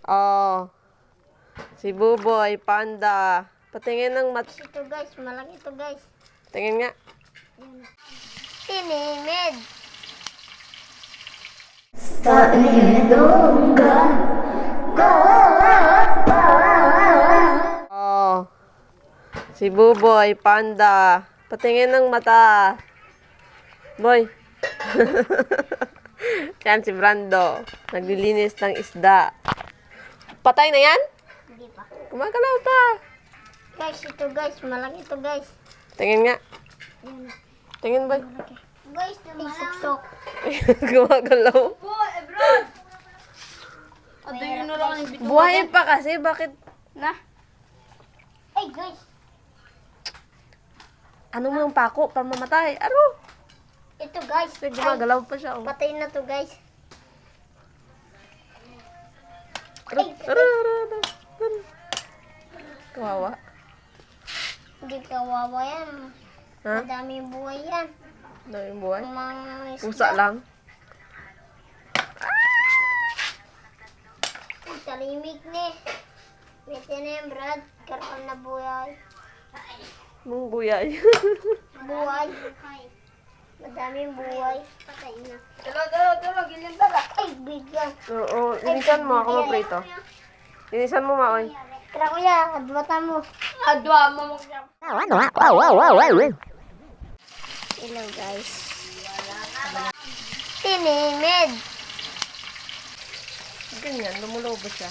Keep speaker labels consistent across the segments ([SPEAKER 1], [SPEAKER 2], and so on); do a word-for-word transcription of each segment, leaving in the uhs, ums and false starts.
[SPEAKER 1] Oh. Si Buboy, Panda. Patingin ng mat...
[SPEAKER 2] Ito guys, malaki ito guys.
[SPEAKER 1] Tingin nga.
[SPEAKER 2] Tinimid.
[SPEAKER 1] Oh. Si Buboy, Panda. Patingin ng mata. Boy. Yan si Brando. Naglilinis ng isda. Patay na yan?
[SPEAKER 2] Hindi pa.
[SPEAKER 1] Gumagalaw pa.
[SPEAKER 2] Guys, ito guys, malaki ito guys.
[SPEAKER 1] Tingin nga.
[SPEAKER 2] Yan.
[SPEAKER 1] Tingin, boy.
[SPEAKER 2] Guys, isuksok.
[SPEAKER 1] Gumagalaw.
[SPEAKER 3] Boy, Ebrod! Ado yun na lang ang bituin.
[SPEAKER 1] Buhay pa kasi. Bakit?
[SPEAKER 3] Na?
[SPEAKER 2] Ay guys,
[SPEAKER 1] Ano mo yung pako para mamatay? Aro.
[SPEAKER 2] ito guys.
[SPEAKER 1] Kasi
[SPEAKER 2] Ay,
[SPEAKER 1] gumagalaw pa siya. Oh.
[SPEAKER 2] patay na to guys.
[SPEAKER 1] Aro, aro, aro, aro, aro. Kawawa.
[SPEAKER 2] Hindi kawawa yan.
[SPEAKER 1] Ha?
[SPEAKER 2] Madaming buhay yan.
[SPEAKER 1] Ano yung buhay?
[SPEAKER 2] Ang mga isda.
[SPEAKER 1] Pusa lang.
[SPEAKER 2] Ay, talimig ni. Mete na yan, Brad. Karoon na buhay.
[SPEAKER 1] Mong buyay.
[SPEAKER 2] Buhay. Madaming buhay. Patay na.
[SPEAKER 3] Talo, talo, talo, gilin tala.
[SPEAKER 2] Ay, bigyan.
[SPEAKER 1] Oo. Linisan mo ako maprito. Linisan mo, Maoy.
[SPEAKER 2] Tara kuya, adbata mo.
[SPEAKER 3] Adwa mo mo siya.
[SPEAKER 2] Hello guys. Tinimid.
[SPEAKER 1] Ganyan, lumulobo siya.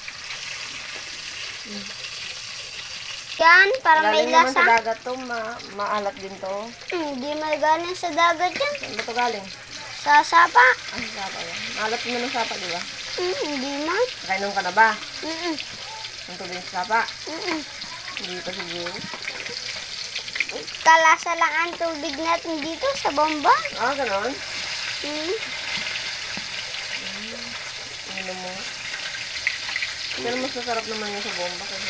[SPEAKER 2] Yan, para may
[SPEAKER 1] Galing naman sa
[SPEAKER 2] lasa.
[SPEAKER 1] dagat to, ma maalat din to.
[SPEAKER 2] Hindi may galing sa dagat yan.
[SPEAKER 1] Saan ba to galing?
[SPEAKER 2] Sa sapa.
[SPEAKER 1] Ah, sapa yan. Maalat mo ng sapa, di ba?
[SPEAKER 2] Hmm, hindi man.
[SPEAKER 1] Kainom ka na ba?
[SPEAKER 2] Mm-mm.
[SPEAKER 1] Ang tubig sa sapa?
[SPEAKER 2] Mm-mm.
[SPEAKER 1] Hindi pa siguro.
[SPEAKER 2] Kalasa lang ang tubig natin dito sa bomba.
[SPEAKER 1] Ah, ganon?
[SPEAKER 2] Hmm.
[SPEAKER 1] Inom mo. Pero mas masarap naman yung sa bomba kasi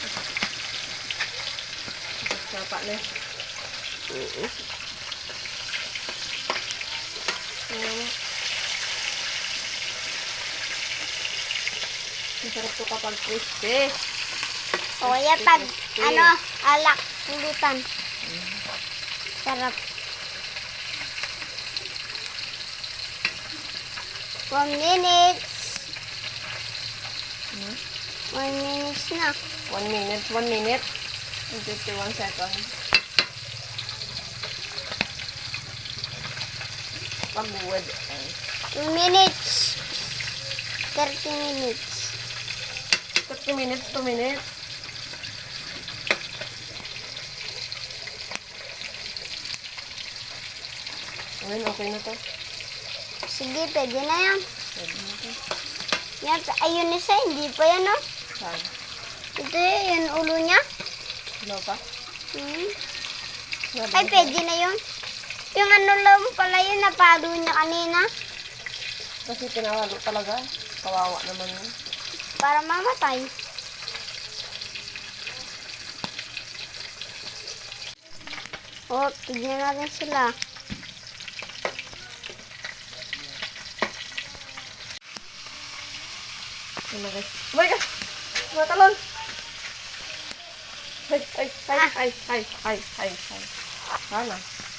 [SPEAKER 1] sapa na. Oo. Oo. Masarap to kapag crispy.
[SPEAKER 2] O kaya pag, ano, alak, pulutan. Sarap. One minute.
[SPEAKER 1] Hmm?
[SPEAKER 2] One minute na.
[SPEAKER 1] One minute, one minute. And fifty-one seconds. Pabuwad.
[SPEAKER 2] Two minutes. Thirty minutes.
[SPEAKER 1] thirty minutes, two minutes. Ayun, okay na to.
[SPEAKER 2] Sige, pwede na yan.
[SPEAKER 1] Pwede na to.
[SPEAKER 2] Yan, ayun isa, hindi pa yan, oh.
[SPEAKER 1] Saan?
[SPEAKER 2] Ito yun, ulo niya.
[SPEAKER 1] Ano pa?
[SPEAKER 2] Hmm.
[SPEAKER 1] Sabi
[SPEAKER 2] Ay,
[SPEAKER 1] niya.
[SPEAKER 2] pwede na yun. Yung ano lang pala yun, napalo niya kanina.
[SPEAKER 1] Kasi pinawalo talaga. Kawawa naman yun.
[SPEAKER 2] Para mamatay. Oh, tignan natin sila.
[SPEAKER 1] Oh my gosh. Oh my gosh! Matalon! Ay, ay, ay, ay, ay, ay, ay, ay. Sana.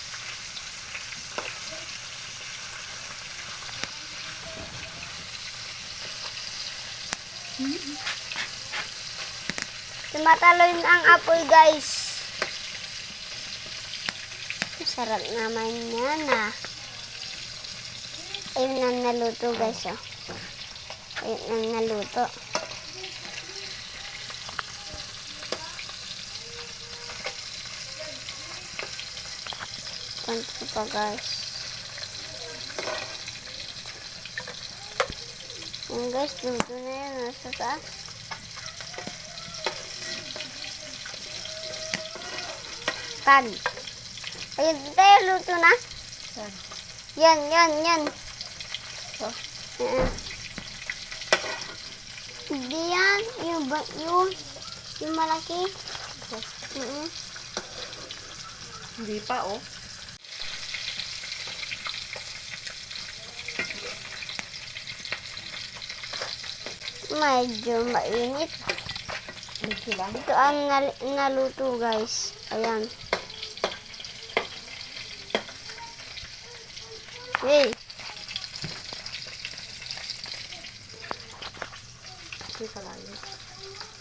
[SPEAKER 2] Tumatalon ang apoy, guys. Sarap naman yan, ah. Ayun ang naluto, guys, oh. Ayun ang naluto. Konti pa, guys. Ayun, guys, luto na yun, nasa taas. Pag. Ayun, tayo, luto na.
[SPEAKER 1] Saan?
[SPEAKER 2] Yan, yan, yan.
[SPEAKER 1] Oh.
[SPEAKER 2] Uh, Hindi yan. Yung, ba, yung, yung malaki. Mm-mm.
[SPEAKER 1] Hindi pa, oh.
[SPEAKER 2] Medyo mainit.
[SPEAKER 3] Medyo lang.
[SPEAKER 2] Ito ang nal- naluto guys. Ayan. Hey.
[SPEAKER 1] Hindi ka lang.